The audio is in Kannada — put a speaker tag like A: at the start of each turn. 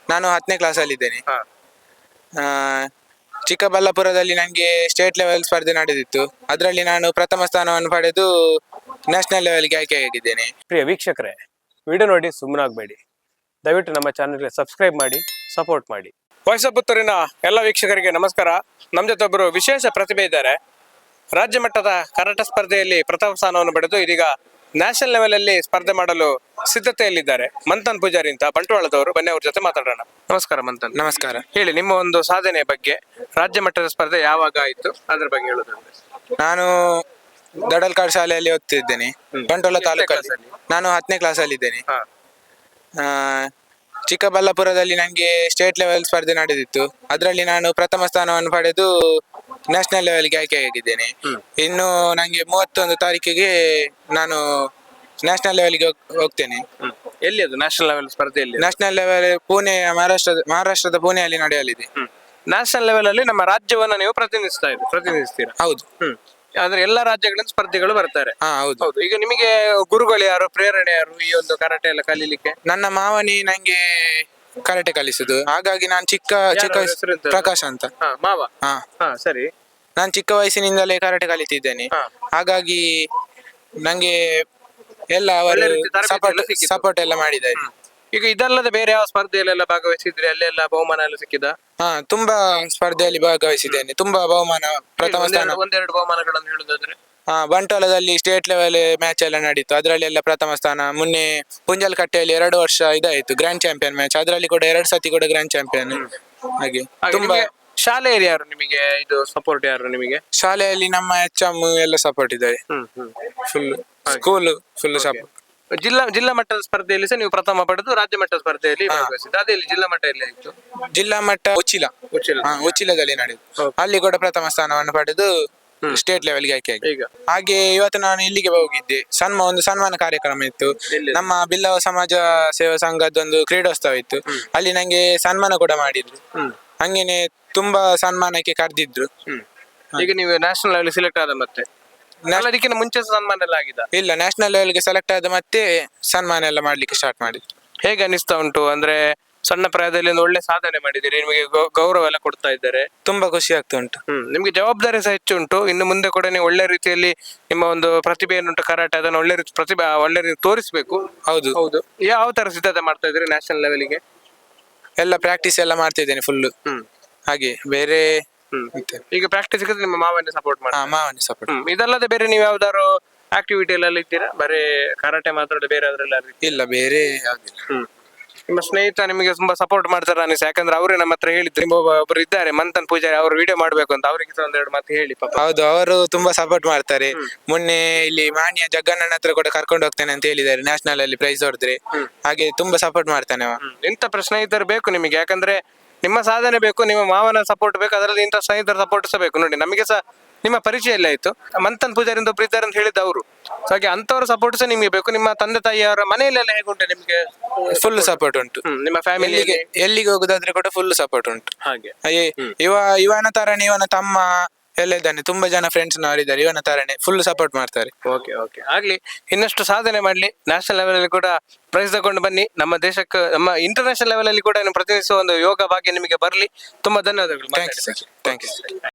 A: ನಾನು 10ನೇ ಕ್ಲಾಸಲ್ಲಿ ಇದ್ದೇನೆ.
B: ಹಾ.
A: ಆ, ಚಿಕ್ಕಬಳ್ಳಾಪುರದಲ್ಲಿ ನನಗೆ ಸ್ಟೇಟ್ ಲೆವೆಲ್ ಸ್ಪರ್ಧೆ ನಡೆದಿತ್ತು. ಅದರಲ್ಲಿ ನಾನು ಪ್ರಥಮ ಸ್ಥಾನವನ್ನು ಪಡೆದು ನ್ಯಾಷನಲ್ ಲೆವೆಲ್ಗೆ ಆಯ್ಕೆಯಾಗಿದ್ದೇನೆ.
B: ಪ್ರಿಯ ವೀಕ್ಷಕರೇ, ವಿಡಿಯೋ ನೋಡಿ ಸುಮ್ಮನಾಗಬೇಡಿ. ದಯವಿಟ್ಟು ನಮ್ಮ ಚಾನೆಲ್ಗೆ ಸಬ್ಸ್ಕ್ರೈಬ್ ಮಾಡಿ, ಸಪೋರ್ಟ್ ಮಾಡಿ. ವಾಯ್ಸ್ ಆಫ್ ಪುತ್ತೂರಿನ ಎಲ್ಲ ವೀಕ್ಷಕರಿಗೆ ನಮಸ್ಕಾರ. ನಮ್ಮ ಜೊತೆ ಒಬ್ಬರು ವಿಶೇಷ ಪ್ರತಿಭೆ ಇದ್ದಾರೆ. ರಾಜ್ಯ ಮಟ್ಟದ ಕರಾಟೆ ಸ್ಪರ್ಧೆಯಲ್ಲಿ ಪ್ರಥಮ ಸ್ಥಾನವನ್ನು ಪಡೆದು ಇದೀಗ ನ್ಯಾಷನಲ್ ಲೆವೆಲ್ ಅಲ್ಲಿ ಸ್ಪರ್ಧೆ ಮಾಡಲು ಸಿದ್ಧತೆಯಲ್ಲಿದ್ದಾರೆ. ಮಂಥನ್ ಪೂಜಾರಿ ಅಂತ ಬಂಟ್ವಾಳದವರು. ಬನ್ನಿ ಅವ್ರ ಜೊತೆ ಮಾತಾಡೋಣ. ನಮಸ್ಕಾರ ಮಂಥನ್.
A: ನಮಸ್ಕಾರ.
B: ಹೇಳಿ, ನಿಮ್ಮ ಒಂದು ಸಾಧನೆ ಬಗ್ಗೆ. ರಾಜ್ಯ ಮಟ್ಟದ ಸ್ಪರ್ಧೆ ಯಾವಾಗ ಆಯಿತು, ಅದ್ರ ಬಗ್ಗೆ ಹೇಳೋದಂದ್ರೆ.
A: ನಾನು ದಡಲ್ಕಾಡ್ ಶಾಲೆಯಲ್ಲಿ ಓದ್ತಿದ್ದೇನೆ, ಬಂಟ್ವಾಳ ತಾಲೂಕಲ್ಲಿ. ನಾನು 10ನೇ ಕ್ಲಾಸಲ್ಲಿ ಇದ್ದೇನೆ.
B: ಹಾ.
A: ಆ, ಚಿಕ್ಕಬಳ್ಳಾಪುರದಲ್ಲಿ ನನಗೆ ಸ್ಟೇಟ್ ಲೆವೆಲ್ ಸ್ಪರ್ಧೆ ನಡೆದಿತ್ತು. ಅದರಲ್ಲಿ ನಾನು ಪ್ರಥಮ ಸ್ಥಾನವನ್ನು ಪಡೆದು ನ್ಯಾಷನಲ್ ಲೆವೆಲ್ಗೆ ಆಯ್ಕೆಯಾಗಿದ್ದೇನೆ. ಇನ್ನು ನನಗೆ 31 ತಾರೀಕಿಗೆ ನಾನು ನ್ಯಾಷನಲ್ ಲೆವೆಲ್ಗೆ ಹೋಗ್ತೇನೆ.
B: ಎಲ್ಲಿ ಅದು ನ್ಯಾಷನಲ್ ಲೆವೆಲ್ ಸ್ಪರ್ಧೆಯಲ್ಲಿ?
A: ನ್ಯಾಷನಲ್ ಲೆವೆಲ್ ಪುಣೆ, ಮಹಾರಾಷ್ಟ್ರದ ಪುಣೆಯಲ್ಲಿ ನಡೆಯಲಿದೆ.
B: ನ್ಯಾಷನಲ್ ಲೆವೆಲ್ ಅಲ್ಲಿ ನಮ್ಮ ರಾಜ್ಯವನ್ನ ನೀವು ಪ್ರತಿನಿಧಿಸ್ತೀರಾ?
A: ಹೌದು.
B: ಅಂದ್ರೆ ಎಲ್ಲಾ ರಾಜ್ಯಗಳಿಂದ ಸ್ಪರ್ಧಿಗಳು ಬರ್ತಾರೆ.
A: ಹಾ, ಹೌದು.
B: ಹೌದು. ಈಗ ನಿಮಗೆ ಗುರುಗಳು ಯಾರು, ಪ್ರೇರಣೆ ಯಾರು ಈ ಒಂದು ಕರಾಟೆ ಎಲ್ಲ ಕಲೀಲಿಕ್ಕೆ?
A: ನನ್ನ ಮಾವನಿ ನಂಗೆ ಕರಾಟೆ ಕಲಿಸುದು. ಹಾಗಾಗಿ ನಾನು ಚಿಕ್ಕ
B: ಹೆಸರು ಎಂತ?
A: ಪ್ರಕಾಶ್ ಅಂತ.
B: ಮಾವ.
A: ಹಾ,
B: ಹಾ, ಸರಿ.
A: ನಾನು ಚಿಕ್ಕ ವಯಸ್ಸಿನಿಂದಲೇ ಕರಾಟೆ ಕಲಿತಿದ್ದೇನೆ.
B: ಹಾ.
A: ಹಾಗಾಗಿ ನಂಗೆ ಎಲ್ಲ
B: ಒಳ್ಳೆ
A: ಅವರು
B: ರೀತಿ ತರಬೇತಿ ಸಿಕ್ಕಿತು.
A: ಸಪೋರ್ಟ್ ಎಲ್ಲ ಮಾಡಿದ್ದಾರೆ.
B: ಈಗ ಇದಲ್ಲದೆ ಬೇರೆ ಯಾವ ಸ್ಪರ್ಧೆಯಲ್ಲೆಲ್ಲ ಭಾಗವಹಿಸಿದ್ರೆ ಅಲ್ಲೆಲ್ಲ ಬಹುಮಾನ ಎಲ್ಲ ಸಿಕ್ಕಿದ?
A: ಹಾ, ತುಂಬಾ ಸ್ಪರ್ಧೆಯಲ್ಲಿ ಭಾಗವಹಿಸಿದ್ದೇನೆ. ತುಂಬಾ ಬಹುಮಾನ, ಪ್ರಥಮ ಸ್ಥಾನ.
B: ಒಂದೆರಡು ಬಹುಮಾನಗಳನ್ನು ಹೇಳುದಾದ್ರೆ?
A: ಬಂಟ್ವಾಳದಲ್ಲಿ ಸ್ಟೇಟ್ ಲೆವೆಲ್ ಮ್ಯಾಚ್ ಎಲ್ಲ ನಡೀತು. ಅದರಲ್ಲಿ ಎಲ್ಲ ಪ್ರಥಮ ಸ್ಥಾನ. ಮೊನ್ನೆ ಪುಂಜಲ್ಕಟ್ಟೆಯಲ್ಲಿ 2 ವರ್ಷ ಇದಾಯ್ತು ಗ್ರ್ಯಾಂಡ್ ಚಾಂಪಿಯನ್ ಮ್ಯಾಚ್. ಅದರಲ್ಲಿ ಕೂಡ 2 ಸತಿ ಕೂಡ ಗ್ರ್ಯಾಂಡ್ ಚಾಂಪಿಯನ್. ಹಾಗೆ ತುಂಬಾ.
B: ಶಾಲೆಯಲ್ಲಿ ಯಾರು ನಿಮಗೆ ಇದು ಸಪೋರ್ಟ್, ಯಾರು ನಿಮಗೆ
A: ಶಾಲೆಯಲ್ಲಿ ನಮ್ಮ HM ಎಲ್ಲ ಸಪೋರ್ಟ್ ಇದ್ದಾರೆ. Full school full support.
B: ಜಿಲ್ಲಾ ಮಟ್ಟದ ಸ್ಪರ್ಧೆಯಲ್ಲಿ ಸಹ ನೀವು ಪ್ರಥಮ ಪಡೆದು ರಾಜ್ಯ ಮಟ್ಟದ ಸ್ಪರ್ಧೆಯಲ್ಲಿ ಭಾಗವಹಿಸಿದ್ದು. ಅದೇ ಜಿಲ್ಲಾ ಮಟ್ಟ ಎಲ್ಲಿ ಆಯ್ತು?
A: ಜಿಲ್ಲಾ ಮಟ್ಟ ಉಚ್ಚಿಲದಲ್ಲಿ ನಡೆಯಿತು. ಅಲ್ಲಿ ಕೂಡ ಪ್ರಥಮ ಸ್ಥಾನವನ್ನು ಪಡೆದು ಸ್ಟೇಟ್ ಲೆವೆಲ್ಗೆ ಆಯ್ಕೆಯಾಗಿ.
B: ಈಗ
A: ಹಾಗೆ ಇವತ್ತು ನಾನು ಇಲ್ಲಿಗೆ ಹೋಗಿದ್ದೆ. ಒಂದು ಸನ್ಮಾನ ಕಾರ್ಯಕ್ರಮ ಇತ್ತು. ನಮ್ಮ ಬಿಲ್ಲವ ಸಮಾಜ ಸೇವಾ ಸಂಘದೊಂದು ಕ್ರೀಡೋತ್ಸವ ಇತ್ತು. ಅಲ್ಲಿ ನಂಗೆ ಸನ್ಮಾನ ಕೂಡ ಮಾಡಿದ್ರು. ಹಂಗೇನೆ ತುಂಬಾ ಸನ್ಮಾನಕ್ಕೆ ಕರೆದಿದ್ರು.
B: ಈಗ ನೀವು ನ್ಯಾಷನಲ್ ಲೆವೆಲ್ ಸೆಲೆಕ್ಟ್ ಆದ ಮತ್ತೆ ಅದಕ್ಕಿಂತ ಮುಂಚೆ ಸನ್ಮಾನ ಎಲ್ಲ ಆಗಿದೆ?
A: ಇಲ್ಲ, ನ್ಯಾಷನಲ್ ಲೆವೆಲ್ಗೆ ಸೆಲೆಕ್ಟ್ ಆದ ಮತ್ತೆ ಸನ್ಮಾನ ಎಲ್ಲ ಮಾಡ್ಲಿಕ್ಕೆ ಸ್ಟಾರ್ಟ್ ಮಾಡಿದ್ರು.
B: ಹೇಗೆ ಅನಿಸ್ತಾ ಉಂಟು? ಅಂದ್ರೆ ಸಣ್ಣ ಪ್ರಾಯದಲ್ಲಿ ಒಂದು ಒಳ್ಳೆ ಸಾಧನೆ ಮಾಡಿದ್ದೀರಿ, ನಿಮಗೆ ಗೌರವ ಎಲ್ಲ ಕೊಡ್ತಾ ಇದ್ದಾರೆ.
A: ತುಂಬಾ ಖುಷಿ ಆಗ್ತಾ ಉಂಟು.
B: ನಿಮ್ಗೆ ಜವಾಬ್ದಾರಿ ಸಹ ಹೆಚ್ಚು ಉಂಟು. ಇನ್ನು ಮುಂದೆ ಕೂಡ ನೀವು ಒಳ್ಳೆ ರೀತಿಯಲ್ಲಿ ನಿಮ್ಮ ಒಂದು ಪ್ರತಿಭೆ ಏನುಂಟು ಕರಾಟೆ, ಅದನ್ನು ಒಳ್ಳೆ ರೀತಿ ತೋರಿಸ್ಬೇಕು.
A: ಹೌದು.
B: ಹೌದು. ಯಾವ ತರ ಸಿದ್ಧತೆ ಮಾಡ್ತಾ ಇದ್ದೀರಿ ನ್ಯಾಷನಲ್ ಲೆವೆಲ್ಗೆ?
A: ಎಲ್ಲ ಪ್ರಾಕ್ಟೀಸ್ ಎಲ್ಲ ಮಾಡ್ತಾ ಇದ್ದೇನೆ ಫುಲ್. ಹಾಗೆ ಬೇರೆ
B: ಈಗ ಪ್ರಾಕ್ಟೀಸ್ ನಿಮ್ಮ ಮಾವನ್ನೇ ಸಪೋರ್ಟ್ ಮಾಡಿ?
A: ಮಾವನಿ ಸಪೋರ್ಟ್.
B: ಇದಲ್ಲದೆ ಬೇರೆ ನೀವು ಯಾವ್ದಾದ್ರು ಆಕ್ಟಿವಿಟಿ ಎಲ್ಲ ಇದ್ದೀರಾ? ಬರೀ ಕರಾಟೆ ಮಾತ್ರ, ಬೇರೆ ಅದ್ರೆಲ್ಲ
A: ಇಲ್ಲ, ಬೇರೆ ಯಾವ್ದಿಲ್ಲ.
B: ನಿಮ್ಮ ಸ್ನೇಹಿತ ನಿಮಗೆ ತುಂಬಾ ಸಪೋರ್ಟ್ ಮಾಡ್ತಾರೆ ಅನಿಸ್? ಯಾಕಂದ್ರೆ ಅವರೇ ನಮ್ಮ ಹತ್ರ ಹೇಳಿದ್ರು, ಒಬ್ರು ಇದ್ದಾರೆ ಮಂಥನ್ ಪೂಜಾರಿ, ಅವರು ವಿಡಿಯೋ ಮಾಡ್ಬೇಕು ಅಂತ. ಅವರಿಗೆ ಸಹ ಒಂದೆರಡು ಮಾತು ಹೇಳಿ ಪಾಪ.
A: ಹೌದು, ಅವರು ತುಂಬಾ ಸಪೋರ್ಟ್ ಮಾಡ್ತಾರೆ. ಮೊನ್ನೆ ಇಲ್ಲಿ ಮಾನ್ಯ ಜಗ್ಗಣ್ಣನ ಹತ್ರ ಕೂಡ ಕರ್ಕೊಂಡು ಹೋಗ್ತೇನೆ ಅಂತ ಹೇಳಿದ್ದಾರೆ, ನ್ಯಾಷನಲ್ ಅಲ್ಲಿ ಪ್ರೈಸ್ ಹೊಡೆದ್ರೆ. ಹಾಗೆ ತುಂಬಾ ಸಪೋರ್ಟ್ ಮಾಡ್ತಾನೆ ಅವ.
B: ಇಂಥ ಸ್ನೇಹಿತರು ಬೇಕು ನಿಮಗೆ. ಯಾಕಂದ್ರೆ ನಿಮ್ಮ ಸಾಧನೆ ಬೇಕು, ನಿಮ್ಮ ಮಾವನ ಸಪೋರ್ಟ್ ಬೇಕು, ಅದರಲ್ಲಿ ಇಂಥ ಸ್ನೇಹಿತರ ಸಪೋರ್ಟ್ ಸಹ ಬೇಕು. ನೋಡಿ, ನಮಗೆ ಸಹ ನಿಮ್ಮ ಪರಿಚಯ ಎಲ್ಲ ಆಯ್ತು. ಮಂಥನ್ ಪೂಜಾರಿ ಒಬ್ರು ಇದ್ದಾರೆ ಅಂತ ಹೇಳಿದ ಅವರು. ಹಾಗೆ ಅಂತವರ ಸಪೋರ್ಟ್ ಸಹ ನಿಮಗೆ ಬೇಕು. ನಿಮ್ಮ ತಂದೆ ತಾಯಿಯವರ ಮನೆಯಲ್ಲೆಲ್ಲ ಹೇಗುಂಟು ನಿಮ್ಗೆ?
A: ಫುಲ್ ಸಪೋರ್ಟ್ ಉಂಟು.
B: ನಿಮ್ಮ ಫ್ಯಾಮಿಲಿಗೆ
A: ಎಲ್ಲಿಗೆ ಹೋಗುದಾದ್ರೆ ಕೂಡ ಫುಲ್ ಸಪೋರ್ಟ್ ಉಂಟು.
B: ಹಾಗೆ
A: ಇವನ ತರನೇ ಇವನ ತಮ್ಮ ಎಲ್ಲ ಇದ್ದಾನೆ. ತುಂಬಾ ಜನ ಫ್ರೆಂಡ್ಸ್ ನವರಿದ್ದಾರೆ, ಇವನ ತರನೇ ಫುಲ್ ಸಪೋರ್ಟ್ ಮಾಡ್ತಾರೆ.
B: ಓಕೆ ಓಕೆ, ಆಗ್ಲಿ. ಇನ್ನಷ್ಟು ಸಾಧನೆ ಮಾಡ್ಲಿ, ನ್ಯಾಷನಲ್ ಲೆವೆಲ್ ಅಲ್ಲಿ ಕೂಡ ಪ್ರೈಸ್ ತಗೊಂಡು ಬನ್ನಿ. ನಮ್ಮ ದೇಶಕ್ಕೆ, ನಮ್ಮ ಇಂಟರ್ನ್ಯಾಷನಲ್ ಲೆವೆಲ್ ಅಲ್ಲಿ ಕೂಡ ಪ್ರತಿನಿಧಿಸುವ ಒಂದು ಯೋಗ ಭಾಗ್ಯ ನಿಮಗೆ ಬರಲಿ. ತುಂಬಾ ಧನ್ಯವಾದಗಳು.
A: Thank you.